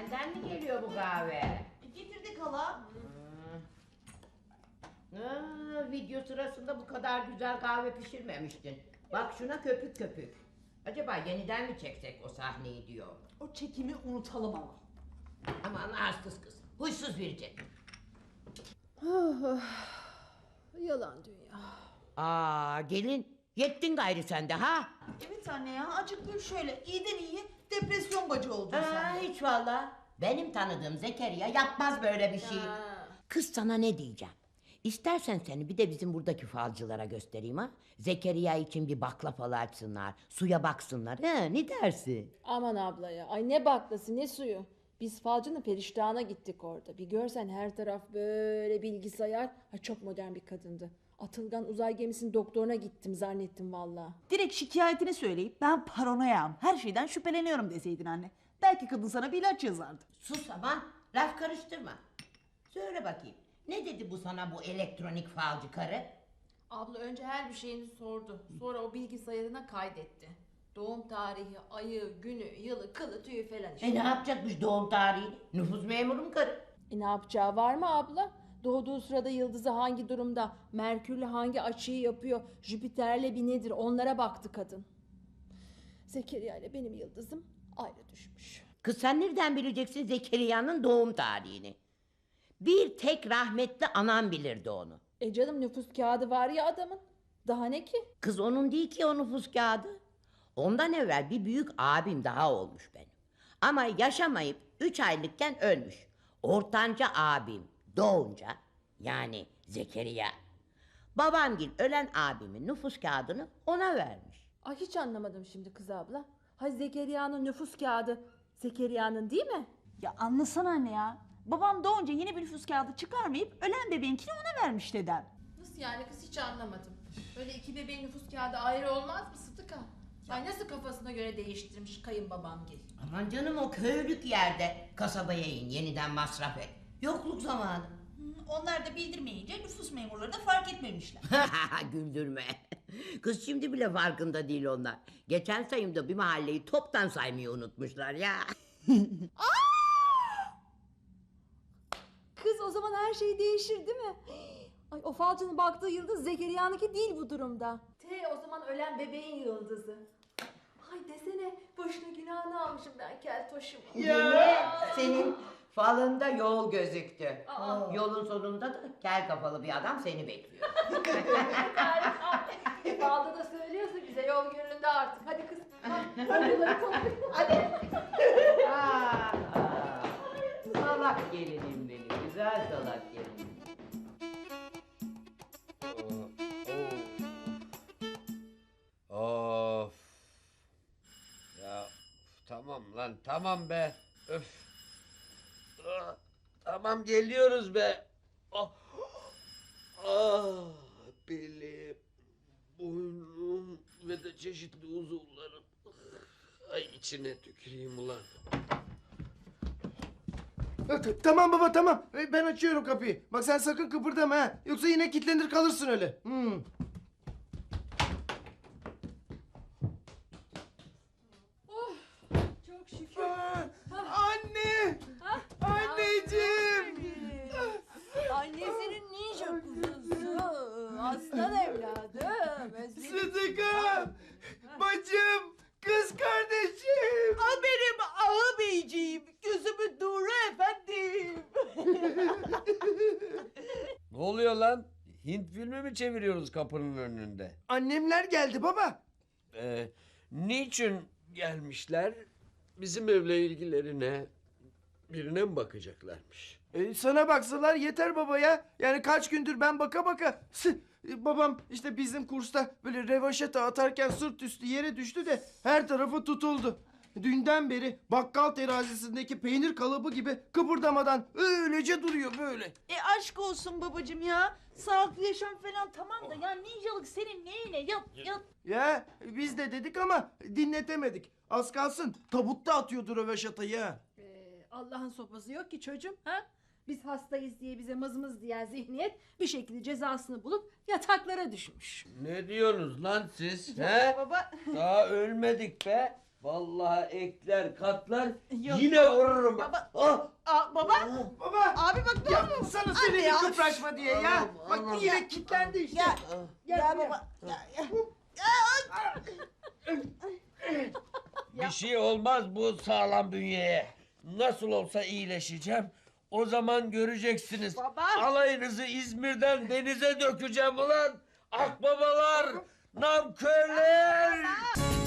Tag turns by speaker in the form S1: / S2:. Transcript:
S1: Senden mi geliyor bu kahve?
S2: Getirdik hala.
S1: Video sırasında bu kadar güzel kahve pişirmemiştin. Bak şuna köpük köpük. Acaba yeniden mi çeksek o sahneyi diyor.
S2: O çekimi unutalım ama.
S1: Aman arsız kız. Huysuz verecek.
S3: Yalan dünya.
S1: Gelin. Yettin gayrı sende ha?
S2: Evet anne ya, acık gül şöyle. İyiden iyi depresyon bacı oldun sen.
S1: Hiç valla. Benim tanıdığım Zekeriya yapmaz böyle bir şey. Kız sana ne diyeceğim? İstersen seni bir de bizim buradaki falcılara göstereyim ha. Zekeriya için bir bakla falı açsınlar. Suya baksınlar. Ne dersin?
S3: Aman abla ya. Ay ne baklası ne suyu. Biz falcının periştahına gittik orada. Bir görsen her taraf böyle bilgisayar. Ha, çok modern bir kadındı. Atılgan uzay gemisinin doktoruna gittim zannettim valla.
S2: Direkt şikayetini söyleyip ben paranoyam, her şeyden şüpheleniyorum deseydin anne. Belki kadın sana bir ilaç yazardı.
S1: Sus aman. Laf karıştırma. Söyle bakayım. Ne dedi bu sana bu elektronik falcı karı?
S3: Abla önce her bir şeyini sordu. Sonra o bilgisayarına kaydetti. Doğum tarihi, ayı, günü, yılı, kılı, tüyü falan işte.
S1: Ne yapacakmış doğum tarihini? Nüfus memuru mu karı?
S3: Ne yapacağı var mı abla? Doğduğu sırada yıldızı hangi durumda, Merkürle hangi açıyı yapıyor, Jüpiter'le bir nedir onlara baktı kadın. Zekeriya ile benim yıldızım ayrı düşmüş.
S1: Kız sen nereden bileceksin Zekeriya'nın doğum tarihini? Bir tek rahmetli anam bilirdi onu.
S3: Canım nüfus kağıdı var ya adamın. Daha ne ki?
S1: Kız onun değil ki o nüfus kağıdı. Ondan evvel bir büyük abim daha olmuş benim. Ama yaşamayıp 3 aylıkken ölmüş. Ortanca abim doğunca yani Zekeriya. Babamgil ölen abimin nüfus kağıdını ona vermiş.
S3: Ay hiç anlamadım şimdi kız abla. Ha Zekeriya'nın nüfus kağıdı Zekeriya'nın değil mi?
S2: Ya anlasana anne ya. Babam doğunca yeni bir nüfus kağıdı çıkarmayıp ölen bebeğinkini ona vermiş dedem.
S3: Nasıl yani kız hiç anlamadım. Böyle iki bebeğin nüfus kağıdı ayrı olmaz mı Sıtıka? Ay nasıl kafasına göre değiştirmiş kayınbabamgil.
S1: Aman canım o köylük yerde kasabaya in yeniden masraf et. Yokluk zamanı.
S2: Onlar da bildirmeyince nüfus memurları da fark etmemişler.
S1: Güldürme. Kız şimdi bile farkında değil onlar. Geçen sayımda bir mahalleyi toptan saymayı unutmuşlar ya.
S3: Kız o zaman her şey değişir değil mi? Ay o falcının baktığı yıldız Zekeriya'nınki değil bu durumda. O zaman ölen bebeğin yıldızı. Ay desene boşuna günahını almışım ben keltoşum.
S1: Senin falında yol gözüktü.
S3: Aa.
S1: Yolun sonunda da kel kafalı bir adam seni bekliyor.
S3: Falda da söylüyorsun bize yol göründe artık. Hadi kız. Hadi.
S1: Salak gelinim benim, güzel salak gelinim.
S4: Of. Ya tamam lan tamam be. Öf. Tamam geliyoruz be. Ah. Ah, belim, boynum ve de çeşitli uzuvlarım. Ay içine tüküreyim ulan.
S5: Tamam baba tamam. Ben açıyorum kapıyı. Bak sen sakın kıpırdama ha. Yoksa yine kilitlenir kalırsın öyle.
S3: Çok şükür.
S5: Anne! Anneciğim!
S3: Annesinin ninja kuzusu. Aslan evladım.
S5: Sıdıkam! Bacım! Kız kardeşim!
S2: Al benim ağabeyciğim, gözümün nuru efendim.
S4: Ne oluyor lan? Hint filmi mi çeviriyoruz kapının önünde?
S5: Annemler geldi baba.
S4: Niçin gelmişler? Bizim evle ilgilerine birine mi bakacaklarmış?
S5: Sana baksalar yeter baba ya. Yani kaç gündür ben baka baka. Babam işte bizim kursta böyle revaşata atarken sırt üstü yere düştü de her tarafı tutuldu. Dünden beri bakkal terazisindeki peynir kalıbı gibi kıpırdamadan öylece duruyor böyle.
S2: Aşk olsun babacığım ya. Sağlıklı yaşam falan tamam da ya ninjalık senin neyine? Yat.
S5: Ya biz de dedik ama dinletemedik. Az kalsın tabutta atıyordu röveşatayı ha.
S3: Allah'ın sopası yok ki çocuğum. Ha? Biz hastayız diye bize mızmız diyen zihniyet bir şekilde cezasını bulup yataklara düşmüş.
S4: Ne diyorsunuz lan siz? He?
S2: Baba.
S4: Daha ölmedik be. Vallahi ekler katlar
S2: Yok.
S4: yine vururum bak.
S2: Baba.
S4: Ah!
S2: Baba.
S5: Baba.
S2: Abi bak ne
S5: Ya
S2: oldu?
S5: sana
S2: Anne
S5: söyledim
S2: ya.
S5: kıpraşma diye ya.
S4: Anam,
S5: Bak
S4: anam.
S5: yine kilitlendi işte.
S2: Ya.
S5: Gel
S2: Ya
S5: buraya.
S2: baba.
S4: Bir şey olmaz bu sağlam bünyeye. Nasıl olsa iyileşeceğim. O zaman göreceksiniz.
S2: Baba.
S4: Alayınızı İzmir'den denize dökeceğim ulan. Akbabalar, namkörler.